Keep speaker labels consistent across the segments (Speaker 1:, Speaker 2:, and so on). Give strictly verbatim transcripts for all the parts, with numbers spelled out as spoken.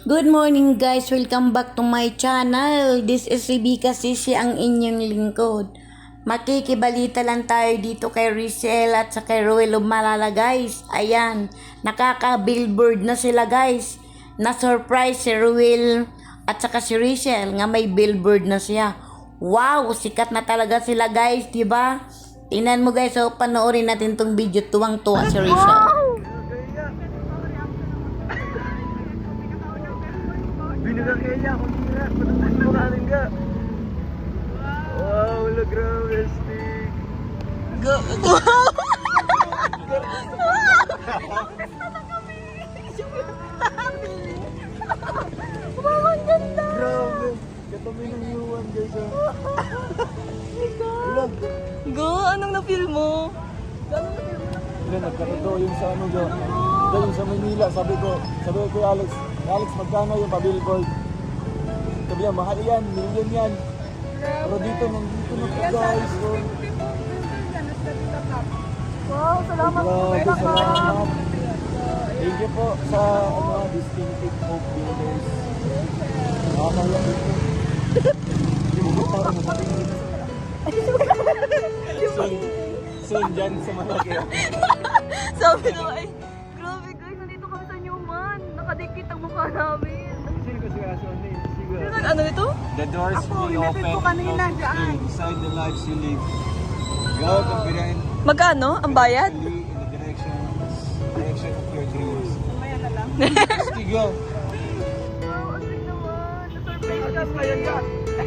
Speaker 1: Good morning guys! Welcome back to my channel. This is Rebecca Sisi, ang inyong lingkod. Makikibalita lang tayo dito kay Rizel at sa kay Ruel Malala guys. Ayan, nakaka-billboard na sila guys. Na-surprise si Ruel at saka si Rizel nga may billboard na siya. Wow! Sikat na talaga sila guys, diba? Tingnan mo guys, so panoorin natin tong video. Tuwang-tuwa si Rizel.
Speaker 2: Binaga kaya niya, kung tira, patutulong mo natin ka. Wow, wala grabe, stick.
Speaker 3: Go! Wow, ang ganda!
Speaker 2: Grabe. Katabi ng yuwan, guys. Wala.
Speaker 3: Go! Anong na-feel mo?
Speaker 2: Wala, nagkaroto yung sa ano, Jo. Ito yung sa Manila, sabi ko, sabi ko kay Alex, Alex, magkano yung pa-billboard? Sabi niya, mahal yan, million yan. Pero dito, nandito na po guys. Oh.
Speaker 3: Wow, salamat po.
Speaker 2: Grabe, salamat. Thank you po sa ano, distinctive hope builders. Nakakaya ito. Hindi mo ba tao mo matingin? Soon, soon dyan sa malaki.
Speaker 3: Sabi ko ay, grabe guys, nandito kami sa Newman. Nakadikit ang mukha namin.
Speaker 2: Sino ko siya sa ano?
Speaker 3: Sino ano ito?
Speaker 4: The doors will be open. Go inside the lives you live. Go confident.
Speaker 3: Magkano ang bayad?
Speaker 4: In the direction, direction of your dreams.
Speaker 3: Mamaya na lang.
Speaker 4: Just go.
Speaker 3: Wow, ang sweet naman. Na-surprise ka.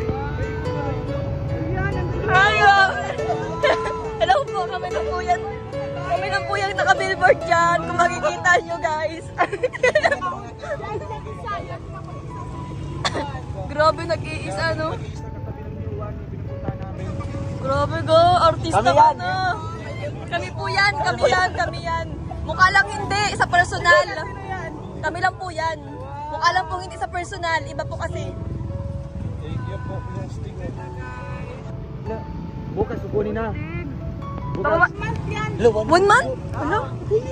Speaker 3: Ayo! Hello po, kami na po yan. Kami na po yung naka-billboard dyan. Kung makikita nyo guys. Grabe, nag-iisa no? Grabe go, artista
Speaker 2: Kami
Speaker 3: ka
Speaker 2: yan.
Speaker 3: na. Kami po yan, kami yan, kami yan. Mukha lang hindi, sa personal. Kami lang po yan. Mukha lang po hindi sa personal, iba po kasi.
Speaker 4: Thank you po, plastic.
Speaker 2: Bukas, sukunin na.
Speaker 3: Tawa, one month? Ano?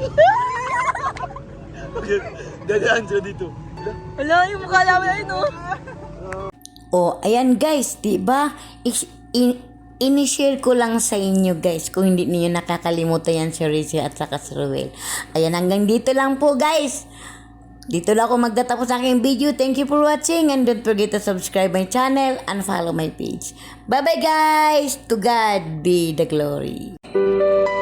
Speaker 2: Dadaan siya dito.
Speaker 3: Wala, yung mukha namin ay no.
Speaker 1: O, ayan guys, diba? Is, in, ini-share ko lang sa inyo guys kung hindi niyo nakakalimutan yan si Rizel at saka si Ruel. Ayan, hanggang dito lang po guys. Dito lang ako magtatapos ang aking video. Thank you for watching and don't forget to subscribe my channel and follow my page. Bye bye guys! To God be the glory.